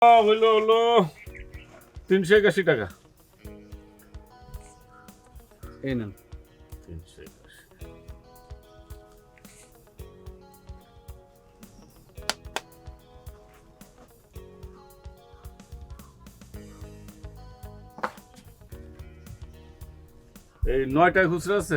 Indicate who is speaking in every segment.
Speaker 1: হইলো হলো 381 টাকা।
Speaker 2: এই নেন।
Speaker 1: 381। এই 9টায় খুচরা আছে?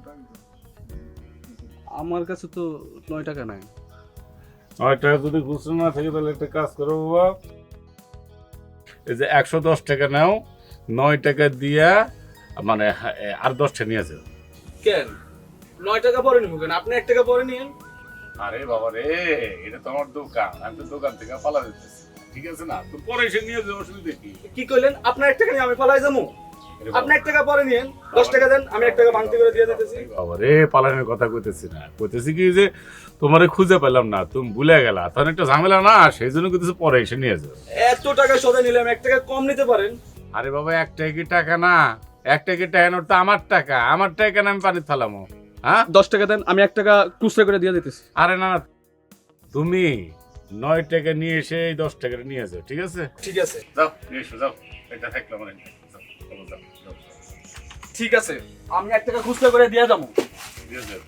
Speaker 2: আমার কাছে তো 9 টাকা নাই।
Speaker 1: 9টায় যদি খুচরা না থাকে তাহলে একটা কাজ করো বাবা, এই যে 110 টাকা নাও, 9 টাকা দিয়া মানে আর 10টা নিয়ে যাও।
Speaker 2: কেন 9 টাকা পরে নিব কেন? আপনি 1 টাকা পরে নিন।
Speaker 1: আরে বাবা রে, এটা তো আমার দোকান, আমি তো দোকান থেকে পালা দিতেছি, ঠিক আছে না? তো পরে এসে নিয়ে যাও, অসুবিধা কি?
Speaker 2: কি কইলেন? আপনার 1 টাকা নিয়ে আমি পালাই যাবো? আপনি 1 টাকা পরে নিন, 10 টাকা দেন, আমি 1 টাকা ভাঙতি করে দিয়ে দিতেছি।
Speaker 1: বাবা রে, পালানোর কথা কইতেছি না, কইতেছি কি যে তোমারে খুঁজে পেলাম না, তুমি ভুলে গেলা, তখন একটা ঝামেলা না, সেই জন্য কইতেছি পরে এসে নিয়ে যাও।
Speaker 2: এত টাকা সদা নিলাম, 1 টাকা কম নিতে পারেন।
Speaker 1: আরে বাবা, 1 টাকা কি টাকা না? 1 টাকা টাকা নোট তো আমার টাকা, আমার টাকা না আমি পানির থালামো? হ্যাঁ,
Speaker 2: 10 টাকা দেন, আমি 1 টাকা খুচরা করে দিয়ে দিতেছি।
Speaker 1: আরে না না, তুমি 9 টাকা নিয়ে এসে এই 10 টাকাটা নিয়ে যাও, ঠিক আছে?
Speaker 2: ঠিক আছে,
Speaker 1: যাও নিয়ে এসো, যাও, এটা থাকলো আমার, যাও, যাও, যাও,
Speaker 2: ঠিক আছে, আমি 1 টাকা খুচরা করে দিয়ে যাবো।
Speaker 1: দিয়ে যাও।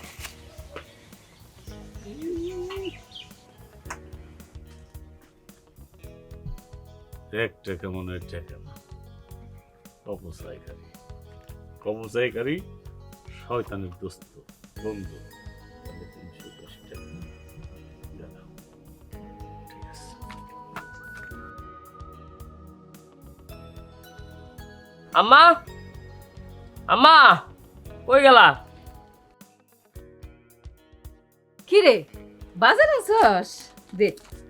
Speaker 1: একটা কেমন টাকা না, অপচয়কারী, অপচয়কারী, শয়তানের দোস্ত, বন্ধু। তাহলে 310 টাকা গেল। ঠিক আছে।
Speaker 3: আম্মা, আম্মা, কই গেলা?
Speaker 4: কি রে বাজার আছস? দে।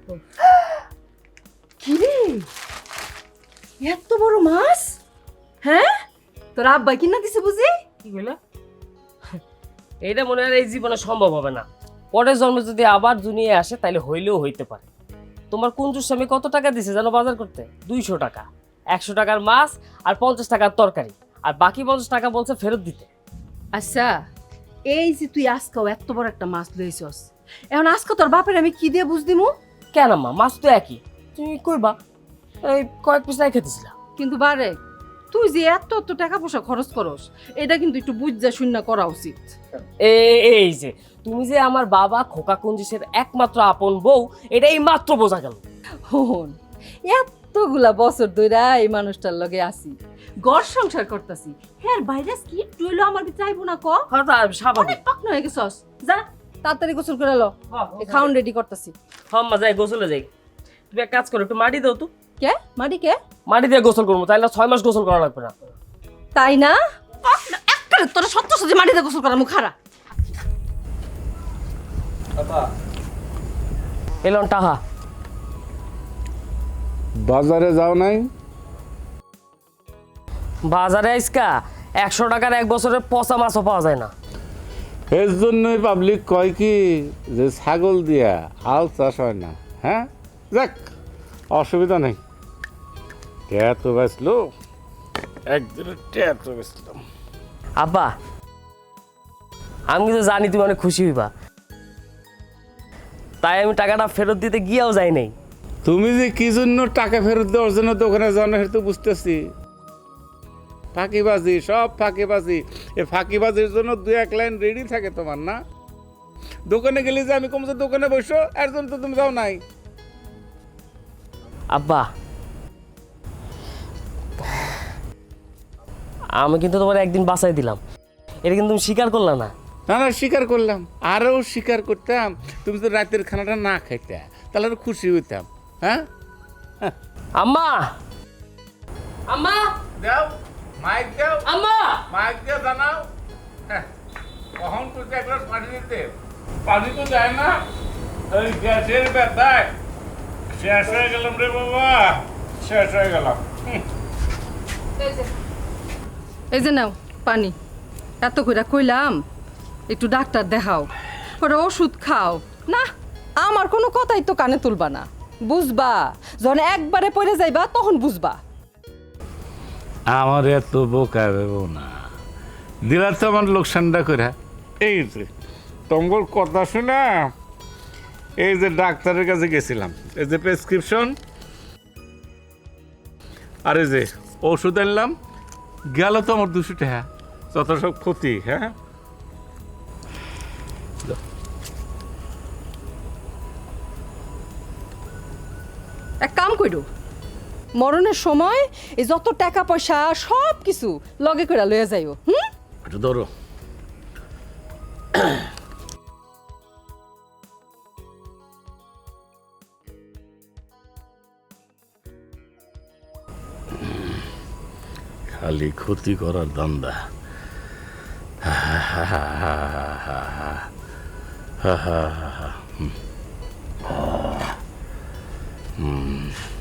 Speaker 4: কি রে এত বড় মাছ? হ্যাঁ, তোর আব্বা কিনা দিছে বুঝি?
Speaker 3: কি কইলা? এইটা মনে হয় এই জীবনে সম্ভব হবে না। পরের জন্মে যদি আবার দুনিয়ায় আসে তাহলে হইলেও হইতে পারে। তোমার কুঞ্জুর স্বামী কত টাকা দিছে জানো বাজার করতে? 200 টাকা। 100 টাকার মাছ আর 50 টাকার তরকারি, আর বাকি 50 টাকা বলছে ফেরত দিতে।
Speaker 4: আচ্ছা, এই যে তুই আজকাও এত বড় একটা মাছ লইছস, এখন আজকে তোর বাপের আমি কি দিয়ে বুঝ দিমু?
Speaker 3: কেন আম্মা, মাছ তো একই, তুমি কইবা এই কয়েক পিস রেখে দিছিলা।
Speaker 4: কিন্তু বারে তুই যে এত এত টাকা পয়সা খরচ করস, এটা কিন্তু একটু বুঝা শূন্য করা উচিত।
Speaker 3: এই যে তুমি যে আমার বাবা খোকা কুঞ্জিসের একমাত্র আপন বউ, এটাই মাত্র বোঝা গেল।
Speaker 4: হন, এতগুলা বছর ধইরা এই মানুষটার লগে আছি, ঘর সংসার করতাছি, হ্যাঁ ভাইরাস কি একটু হইলো আমার চাইবো না ক?
Speaker 3: হ্যাঁ, তা স্বাভাবিক।
Speaker 4: অনেক পাকনা হয়ে গেছস, যা তাড়াতাড়ি গোসল করে লো, খাউন রেডি করতাছি।
Speaker 3: হম্মা যাই গোসলে যাই। তুমি এক কাজ করো, একটু মাটি দাও তো।
Speaker 4: কে মাটি কে?
Speaker 3: মাটি দিয়ে গোসল করবো, তাইলে 6 মাস গোসল করা লাগবে না।
Speaker 4: তাই না? একটা তোরা সত্য সত্যি মাটিতে গোসল করা মুখ খারা।
Speaker 3: এলন টাহা।
Speaker 1: বাজারে যাও নাই?
Speaker 3: বাজারে আইসকা 100 টাকার 1 বছরের পচা মাছও পাওয়া যায় না।
Speaker 1: এর জন্যই পাবলিক কয় কি যে ছাগল দিয়া হাল চাষ হয় না। হ্যাঁ, যাক, অসুবিধা নেই। ট্যাঁ তো বেচলো, একদিনের ট্যাঁ তো বেচলাম।
Speaker 3: আব্বা, আমি কিন্তু জানি তুমি অনেক খুশি হইবা, তাই আমি টাকাটা ফেরত দিতে গিয়েও যাই নাই।
Speaker 1: তুমি যে কি জন্য টাকা ফেরত দেওয়ার জন্য দোকানে যাও না, সেটা তো বুঝতেছি। ফাঁকিবাজি, সব ফাঁকিবাজি। এই ফাঁকিবাজির জন্য 2-1 লাইন রেডি থাকে তোমার, না? দোকানে গেলে যে আমি কমছে দোকানে বসো, এর জন্য তো তুমি যাও নাই।
Speaker 3: আব্বা, আমি কিন্তু তোমার একদিন বাঁচাই দিলাম, এটা কিন্তু তুমি স্বীকার করলা না।
Speaker 1: না না, স্বীকার করলাম, আরও স্বীকার করতাম। তুমি তো রাতের খানাটা না খাইতে, তাহলে আরো খুশি হইতাম। হ্যাঁ,
Speaker 3: আম্মা, আম্মা,
Speaker 1: দাও মাইক, দাও
Speaker 3: আম্মা।
Speaker 1: মাইক দিয়ে জানাও। হ্যাঁ, কখন তুই এক গ্লাস পানি দিতে? পানি তো দেয় না, ওই গ্যাসের ব্যথায় শেষ হয়ে গেলাম রে বাবা, শেষ হয়ে গেলাম।
Speaker 4: এই যে নাও পানি, এত কইরা কইলাম একটু ডাক্তার দেখাও, ওরা ওষুধ খাও না। আমার কোনো কথাই তো কানে তুলবা না, বুঝবা যখন একবারে পড়ে যাইবা তখন বুঝবা।
Speaker 1: আমার এত বোকা ভেবো না, দিলা তো আমার লোকসানটা করে। এই যে তোমার কথা শোনা, এই যে ডাক্তারের কাছে গেছিলাম, এই যে প্রেসক্রিপশন, আরে যে ওষুধ আনলাম গেল তো আমার 200 টাকা, যত সব ক্ষতি। হ্যাঁ
Speaker 4: এক কাম কইরো, মরণের সময় এই যত টাকা পয়সা সব কিছু লগে করে লইয়া যাইও।
Speaker 1: একটু ধরো। খালি ক্ষতি করার ধান্দা। হুম